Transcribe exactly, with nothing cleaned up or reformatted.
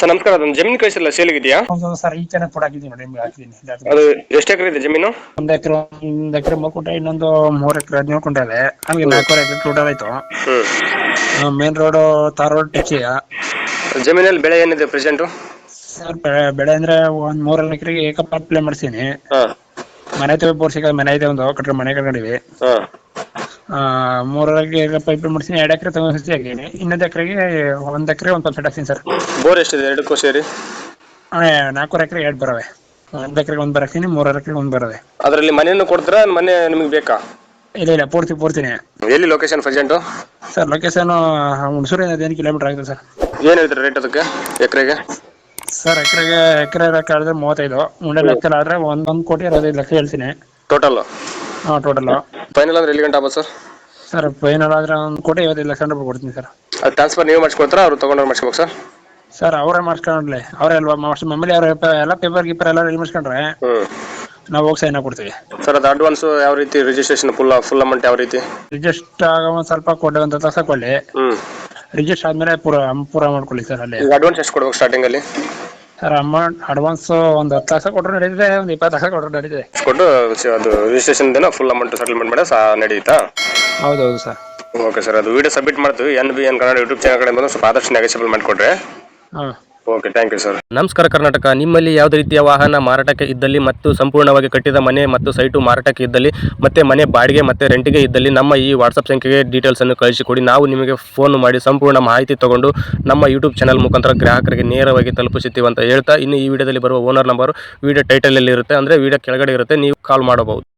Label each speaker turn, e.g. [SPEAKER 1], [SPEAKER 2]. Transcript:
[SPEAKER 1] Sir ನಮಸ್ಕಾರ, ಅದೊಂದು ಜಮೀನು ಕಳಿಸಿಲ್ಲ ಸೇಲಿಗಿದೆಯಾ?
[SPEAKER 2] ಹೌದು ಸರ್, ಈ ಚೆನ್ನಾಗಿ ಫೋಟೋ ಹಾಕಿದ್ದೀನಿ ನೋಡಿ, ನಿಮ್ಗೆ ಹಾಕಿದ್ದೀನಿ.
[SPEAKER 1] ಅದು ಎಷ್ಟು ಎಕರೆ ಇದೆ ಜಮೀನು?
[SPEAKER 2] ಒಂದ್ ಎಕರೆ ಒಂದ್ ಎಕರೆ ಮೂರು ಇನ್ನೊಂದು ಮೂರ್ ಎಕರೆ ಹದಿನೇಳು ಕುಂಟೆ ಇದೆ. ಹಂಗೆ ನಾಲ್ಕೂವರೆ ಎಕರೆ ಟೋಟಲ್ ಆಯ್ತು. ಮೇನ್ ರೋಡ್ ತಾರ್ ರೋಡ್ ಟಚ್ಚಿಯ
[SPEAKER 1] ಜಮೀನಲ್ಲಿ ಬೆಳೆ ಏನಿದೆ ಪ್ರೆಸೆಂಟ್?
[SPEAKER 2] ಸರ್ ಬೆಳೆ ಅಂದ್ರೆ ಒಂದ್ ಮೂರಲ್ಲಿ ಎಕರೆಗೆ ಏಕಪಾಟ್ ಪ್ಲೇ ಮಾಡ್ತೀನಿ. ಮನೆ ಐತೆ ಬೋರ್ಸಿಗೆ ಮನೆ ಐತೆ, ಒಂದು ಕಟ್ರೆ ಮನೆ ಕಟ್ಕೊಂಡಿವಿ. ಮೂರರಿಗೆ ಪೈಪ್ ಮಾಡ್ತೀನಿ. ಎರಡು ಎಕರೆ ತಗೊಂಡು ಹಾಕಿದ್ದೀನಿ. ಇನ್ನೊಂದು ಎಕರೆಗೆ ಒಂದ್ ಎಕರೆ ಒಂದ್ ಪರ್ಸೆಂಟ್ ಹಾಕ್ತೀನಿ ಸರ್.
[SPEAKER 1] ಬೋರ್ ಎಷ್ಟಿದೆ ಎರಡಕ್ಕೂ ಸೇರಿ?
[SPEAKER 2] ನಾಲ್ಕೂವರೆ ಎಕರೆ ಎರಡು ಬರವೆ. ಒಂದ್ ಎಕರೆಗೆ ಒಂದ್ ಬರಾಕ್ತೀನಿ, ಮೂರರ ಎಕರೆಗೆ ಒಂದ್ ಬರವೆ.
[SPEAKER 1] ಅದರಲ್ಲಿ ಮನೆಯನ್ನು ಕೊಡ್ತೀರಾ, ಮನೆ ನಿಮಗೆ ಬೇಕಾ?
[SPEAKER 2] ಇಲ್ಲ ಇಲ್ಲ, ಪೂರ್ತಿ ಪೂರ್ತಿನೇ.
[SPEAKER 1] ಎಲ್ಲಿ ಲೊಕೇಶನ್ ಪ್ರೆಸೆಂಟ್?
[SPEAKER 2] ಸರ್ ಲೊಕೇಶನ್ ಹುಣಸೂರಿಂದ ಹದಿನೈದು ಕಿಲೋಮೀಟರ್ ಆಗಿದೆ ಸರ್.
[SPEAKER 1] ಏನು ಹೇಳ್ತೀರಾ ರೇಟ್ ಅದಕ್ಕೆ ಎಕರೆಗೆ?
[SPEAKER 2] ಸರ್ ಎಕರೆಗೆ ಎಕರೆ ಲೆಕ್ಕ ಆದ್ರೆ ಮೂವತ್ತೈದು, ಮುಂಡೆ ಲೆಕ್ಕ ಆದ್ರೆ ಒಂದೊಂದು ಕೋಟಿ ಅರವತ್ತೈದು ಲಕ್ಷ ಹೇಳ್ತೀನಿ
[SPEAKER 1] ಟೋಟಲ್.
[SPEAKER 2] ಹಾಂ ಟೋಟಲ್.
[SPEAKER 1] ಫೈನಲ್ ಅಂದ್ರೆ ಎಲ್ಲಿ ಗಂಟೆ ಆಗ್ಬೋದು ಸರ್?
[SPEAKER 2] ಸರ್ ಫೈನಲ್ ಆದ್ರೆ ಒಂದು ಕೋಟಿ ಐವತ್ತೈದು ಲಕ್ಷ ರೂಪಾಯಿ ಕೊಡ್ತೀನಿ ಸರ್.
[SPEAKER 1] ಅದು ಟ್ರಾನ್ಸ್ಫರ್ ನೀವು ಮಾಡಿಸ್ಕೊಡ್ತಾರಾ, ಅವ್ರು ತೊಗೊಂಡ್ರೆ ಮಾಡಿಸ್ಬೇಕು ಸರ್?
[SPEAKER 2] ಸರ್ ಅವರೇ ಮಾಡಿಸ್ಕೊಂಡ್ಲೆ, ಅವರೇ ಅಲ್ವಾ ಮಮ್ಮಲ್ಲಿ ಅವ್ರ ಎಲ್ಲ ಪೇಪರ್ ಗೀಪರ್ ಎಲ್ಲ ರೆಡಿ ಮಾಡಿಸ್ಕೊಂಡ್ರೆ ನಾವು ಹೋಗಿ ಸೈನ್ ಕೊಡ್ತೀವಿ
[SPEAKER 1] ಸರ್. ಅದು ಅಡ್ವಾನ್ಸ್ ಯಾವ ರೀತಿ, ರಿಜಿಸ್ಟ್ರೇಷನ್ ಫುಲ್ ಫುಲ್ ಅಮೌಂಟ್ ಯಾವ ರೀತಿ?
[SPEAKER 2] ರಿಜಿಸ್ಟರ್ ಆಗ ಒಂದು ಸ್ವಲ್ಪ ಕೊಡಿ, ಒಂದು ಹತ್ತು ಲಕ್ಷ ಕೊಡಲಿ. ರಿಜಿಸ್ಟರ್ ಆದ್ಮೇಲೆ ಪೂರ ಪೂರ ಮಾಡ್ಕೊಳ್ಳಿ ಸರ್. ಅಲ್ಲಿ
[SPEAKER 1] ಅಡ್ವಾನ್ಸ್ ಎಷ್ಟು ಕೊಡ್ಬೇಕು ಸ್ಟಾರ್ಟಿಂಗ್ ಅಲ್ಲಿ?
[SPEAKER 2] ಸರ್ ಅಮೌಂಟ್ ಅಡ್ವಾನ್ಸ್ ಒಂದು ಹತ್ತು ಲಕ್ಷ ಕೊಟ್ಟರು ನಡೀತಿದೆ, ಒಂದು ಇಪ್ಪತ್ತು ಲಕ್ಷ ಕೊಟ್ಟರು ನಡೀತಿದೆ.
[SPEAKER 1] ಕೊಟ್ಟು ಅದು ರಿಜಿಸ್ಟ್ರೇಷನ್ ದಿನ ಫುಲ್ ಅಮೌಂಟ್ ಸೆಟಲ್ಮೆಂಟ್ ಮಾಡಿ ಸಹ ನಡೀತಾ?
[SPEAKER 2] ಹೌದೌದು ಸರ್.
[SPEAKER 1] ಓಕೆ ಸರ್, ಅದು ವಿಡಿಯೋ ಸಬ್ಮಿಟ್ ಮಾಡ್ತೀವಿ. N B N Kannada YouTube channel ಕಡೆ ಬಂದು ಸ್ವಲ್ಪ ಆದಷ್ಟು ನೆಗೆಸಿಬಲ್ ಮಾಡಿಕೊಡ್ರೆ.
[SPEAKER 2] ಹಾಂ
[SPEAKER 1] ಓಕೆ, ಥ್ಯಾಂಕ್ ಯು ಸರ್.
[SPEAKER 3] ನಮಸ್ಕಾರ ಕರ್ನಾಟಕ. ನಿಮ್ಮಲ್ಲಿ ಯಾವುದೇ ರೀತಿಯ ವಾಹನ ಮಾರಾಟಕ್ಕೆ ಇದ್ದಲ್ಲಿ ಮತ್ತು ಸಂಪೂರ್ಣವಾಗಿ ಕಟ್ಟಿದ ಮನೆ ಮತ್ತು ಸೈಟು ಮಾರಾಟಕ್ಕೆ ಇದ್ದಲ್ಲಿ ಮತ್ತೆ ಮನೆ ಬಾಡಿಗೆ ಮತ್ತು ರೆಂಟಿಗೆ ಇದ್ದಲ್ಲಿ ನಮ್ಮ ಈ ವಾಟ್ಸಪ್ ಸಂಖ್ಯೆಗೆ ಡೀಟೇಲ್ಸನ್ನು ಕಳಿಸಿಕೊಡಿ. ನಾವು ನಿಮಗೆ ಫೋನ್ ಮಾಡಿ ಸಂಪೂರ್ಣ ಮಾಹಿತಿ ತಗೊಂಡು ನಮ್ಮ ಯೂಟ್ಯೂಬ್ ಚಾನಲ್ ಮುಖಾಂತರ ಗ್ರಾಹಕರಿಗೆ ನೇರವಾಗಿ ತಲುಪಿಸುತ್ತೀವಿ ಅಂತ ಹೇಳ್ತಾ, ಇನ್ನು ಈ ವಿಡಿಯೋದಲ್ಲಿ ಬರುವ ಓನರ್ ನಂಬರ್ ವಿಡಿಯೋ ಟೈಟಲಲ್ಲಿ ಇರುತ್ತೆ, ಅಂದರೆ ವಿಡಿಯೋ ಕೆಳಗಡೆ ಇರುತ್ತೆ, ನೀವು ಕಾಲ್ ಮಾಡಬಹುದು.